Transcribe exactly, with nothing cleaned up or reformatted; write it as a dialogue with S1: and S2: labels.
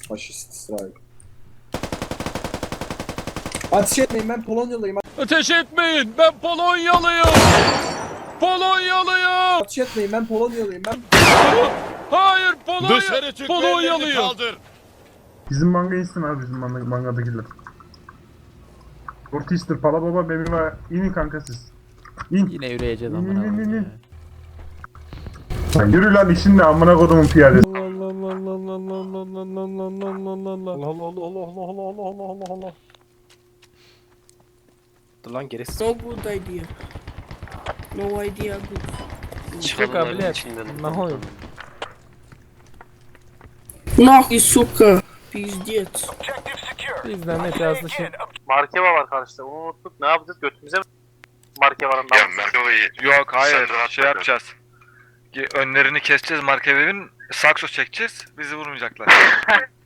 S1: Faşist İsrail. Ateş etmeyin, ben Polonyalıyım.
S2: Ateş etmeyin, ben Polonyalıyım. Polonyalıyım.
S1: Ateş etmeyin, ben Polonyalıyım. Ben
S2: Hayır, Polonya.
S3: Dışarı çık,
S2: Polonyalıyım.
S3: kaldır.
S4: Bizim manga insin abi, bizim manga, mangadakiler. Ortister, Pala Baba, Baby var. İnin kanka siz. İn.
S5: Yine yürüyeceğiz
S4: İn,
S5: amına
S4: in, in,
S5: koyayım
S4: in.
S5: ya.
S4: Lan yürü lan, işin ne amına kodumun piyadesi.
S2: Allah Allah Allah Allah Allah Allah Allah Allah Allah Allah.
S6: Dur lan gerisi.
S7: No good idea. No idea good.
S5: Çıkıyor kabiliyet. Ne oluyor?
S7: Нахуй, сука. Пиздец.
S5: Bizden net yazdı şey.
S8: Markeva var karşıda. Onu unuttuk. Ne yapacağız? Götümüze mi? Markevanın
S9: Ya
S8: damgası.
S9: Merkova'yı
S10: Yok hayır
S9: Sen rahat
S10: şey
S9: bırak.
S10: yapacağız. Önlerini keseceğiz Markevev'in, sakso çekeceğiz, bizi vurmayacaklar.